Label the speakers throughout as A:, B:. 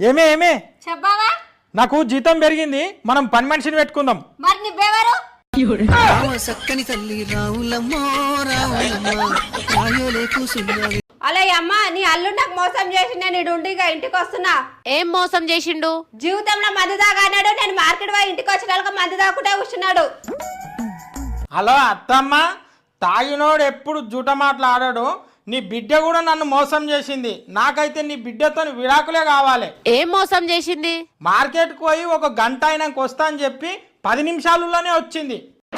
A: ఏమే ఏమే
B: చెప్పావా?
A: నాకు జీతం పెరిగింది, మనం పని మనిషిని పెట్టుకుందాం.
B: మరి నువ్వెవరు?
C: సక్కని తల్లి రావులమ్మో రావులమ్మ రాయోలే కూసున్నవి.
B: అలా అమ్మ, నీ అల్లు నాకు మోసం చేసి నేను ఇడుండిగా ఇంటికి వస్తున్నా.
D: ఏం మోసం చేసిండు?
B: జీవితంలో మందు తాగాడు. నేను మార్కెట్ పోయి ఇంటికి వచ్చిన మందు తాగుకుంటే కూర్చున్నాడు.
A: హలో అత్తమ్మ, తాగినోడు ఎప్పుడు జూట మాట్లాడాడు. నీ బిడ్డ కూడా నన్ను మోసం చేసింది. నాకైతే నీ బిడ్డతో విడాకులే కావాలి.
D: ఏం మోసం చేసింది?
A: మార్కెట్కి పోయి ఒక గంట అయినాక వస్తా అని చెప్పి 10 నిమిషాలలోనే వచ్చింది.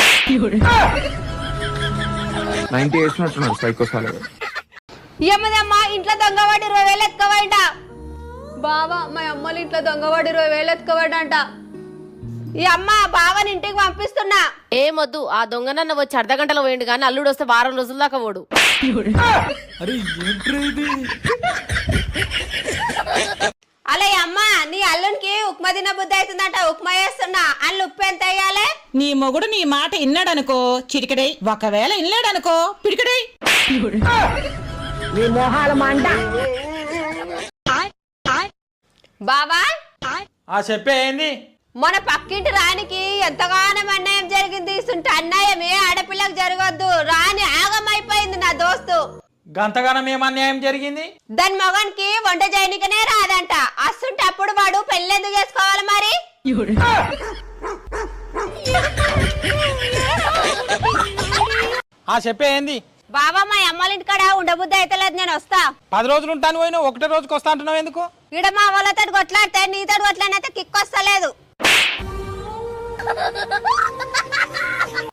E: 90 వేసినట్టున్నాడు సైకోసాలు.
B: ఏమదమ్మా, ఇంట్లో దొంగవాడి 20,000 ఎత్తుకోవాలంట. బావా, మా అమ్మలు ఇంట్లో దొంగవాడి 20,000 ఎత్తుకోవాడంట. ఈ అమ్మ బావని ఇంటికి పంపిస్తున్నా.
D: ఏమొద్దు, ఆ దొంగనన్న వచ్చి అర్ధగంటలో పోయిండు కానీ అల్లుడు వస్తే వారం రోజుల దాకా పోడు.
B: అలా అమ్మ, నీ అల్లునికి ఉప్మా తిన బుద్ధి అవుతుందంట. ఉప్మా వేస్తున్నా. అల్లు ఉప్పు ఎంత వేయాలి?
F: నీ మొగుడు నీ మాట ఇన్నాడనుకో చిటికడై, ఒకవేళ ఇన్నాడనుకో పిడికడై.
B: బావా,
A: ఆ చెప్పే ఏంది?
B: మన పక్కింటి రానికి ఎంతగానో అన్యాయం జరిగింది. ఇస్తుంటే అన్యాయం ఏ ఆడపిల్లకు జరగద్దు. రాని ఆగమైపోయింది నా దోస్తు.
A: గంతగానం ఏం అన్యాయం జరిగింది?
B: దాని మగనికి వంట చేయనికనే రాదంట. అస్తుంటే అప్పుడు వాడు పెళ్ళెందుకు చేసుకోవాలి మరి?
A: ఆ చెప్పే ఏంది?
B: బాబా, మా అమ్మల ఇంటికాడ ఉండబుద్ధి అయితలేదు. నేను వస్తా.
A: 10 రోజులు ఉంటాను పోయినా, ఒకటే రోజుకి వస్తా అంటున్నావు ఎందుకు?
B: ఈడ మా వాళ్ళతో కొట్లాడితే నీతో కొట్లాడినైతే కిక్ వస్తలేదు.